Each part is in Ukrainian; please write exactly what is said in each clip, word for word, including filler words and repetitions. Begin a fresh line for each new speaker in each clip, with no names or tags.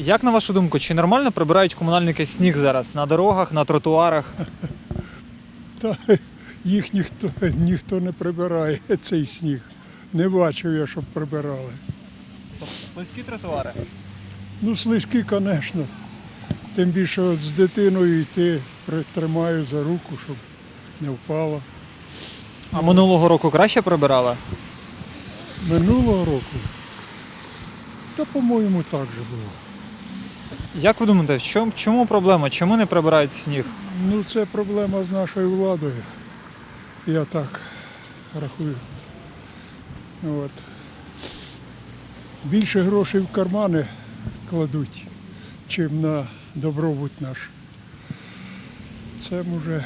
Як на вашу думку, чи нормально прибирають комунальники сніг зараз на дорогах, на тротуарах?
Та їх ніхто, ніхто не прибирає, цей сніг. Не бачив я, щоб прибирали.
Слизькі тротуари.
Ну, слизькі, звісно. Тим більше от з дитиною йти, тримаю за руку, щоб не впала.
А минулого року краще прибирали?
Минулого року, та, по-моєму, так же було.
Як ви думаєте, в чому, чому проблема? Чому не прибирають сніг?
Ну, це проблема з нашою владою. Я так рахую. От. Більше грошей в кармани кладуть, чим на добробут наш. Це може,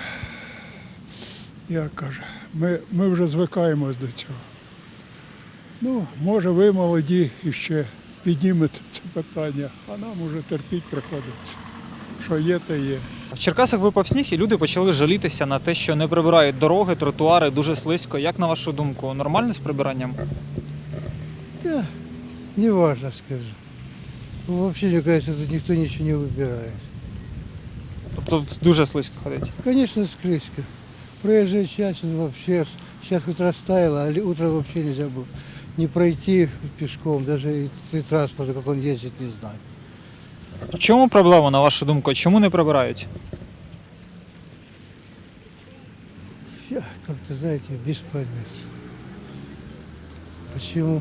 як каже, ми, ми вже звикаємось до цього. Ну, може, ви молоді і ще піднімете це питання, а нам уже терпіть приходиться. Що є, те є.
В Черкасах випав сніг, і люди почали жалітися на те, що не прибирають дороги, тротуари, дуже слизько. Як на вашу думку, нормально з прибиранням?
Да, не важно, скажу. Ну, вообще, мне кажется, тут никто ничего не выбирает.
Тобто дуже слизько ходить.
Конечно, скрыська. Проезжая часть ну, вообще, сейчас хоть растаяло, а утром вообще нельзя было не пройти пешком, даже и, и транспорта, как он ездит, не знаю.
В чому проблема, на вашу думку? Чому не прибирають?
Я как-то, знаете, без понятия. Почему?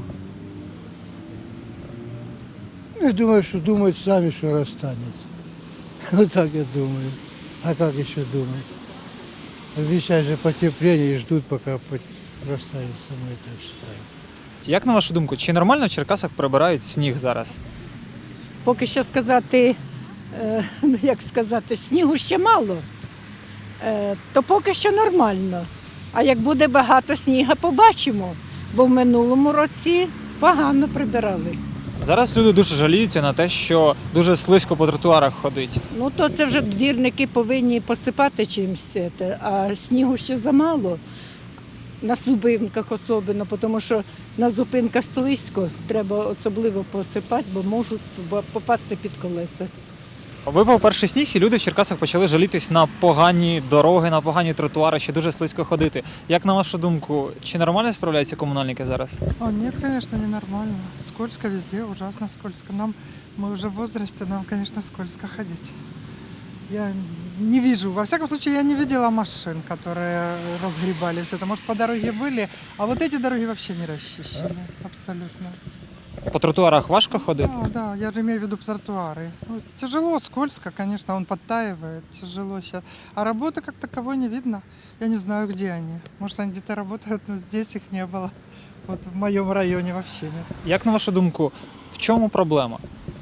Ну, я думаю, что думают сами, что расстанется. Вот так я думаю. А как еще думать? Обещают же потепление и ждут, пока растает само, я так считаю.
Як на вашу думку, чи нормально в Черкасах прибирають сніг зараз?
Поки що сказати, е, ну як сказати, снігу ще мало, е, то поки що нормально. А як буде багато снігу, побачимо, бо в минулому році погано прибирали.
Зараз люди дуже жаліються на те, що дуже слизько по тротуарах ходить.
Ну то це вже двірники повинні посипати чимось, це, а снігу ще замало. На зупинках особливо, тому що на зупинках слизько, треба особливо посипати, бо можуть попасти під колеса.
Випав перший сніг, і люди в Черкасах почали жалітись на погані дороги, на погані тротуари, що дуже слизько ходити. Як на вашу думку, чи нормально справляються комунальники зараз?
О, нет, конечно, ненормально. Скользко везде, ужасно скользко. Нам, мы уже в возрасте, нам, конечно, скользко ходить. Я не вижу, во всяком случае, я не видела машин, которые разгребали все это. Может, по дороге были, а вот эти дороги вообще не расчищены, абсолютно.
По тротуарах важко ходити?
Да, да, я же имею в виду тротуары. Ну, тяжело, скользко, конечно, он подтаивает, тяжело сейчас. А работы как таковой не видно. Я не знаю, где они. Может, они где-то работают, но здесь их не было. Вот в моем районе вообще нет.
Як на вашу думку, в чому проблема?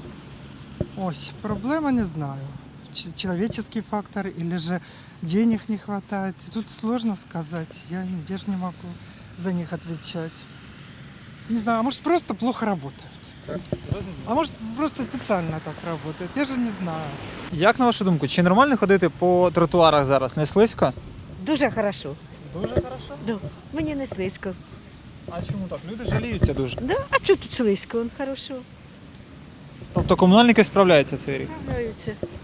Ой, проблема не знаю. Ч- Человеческий фактор или же денег не хватает. Тут сложно сказать. Я, я же не могу за них отвечать. Не знаю, а может просто плохо работают. А может просто специально так работают. Я же не знаю.
Як на вашу думку, чи нормально ходити по тротуарах зараз? Не слизько?
Дуже хорошо.
Дуже хорошо.
Да. Мені не слизько.
А чому так? Люди жаліються дуже.
Да? А чого тут слизько? Он хорошо.
Тобто комунальники справляються цей рік?
Справляються.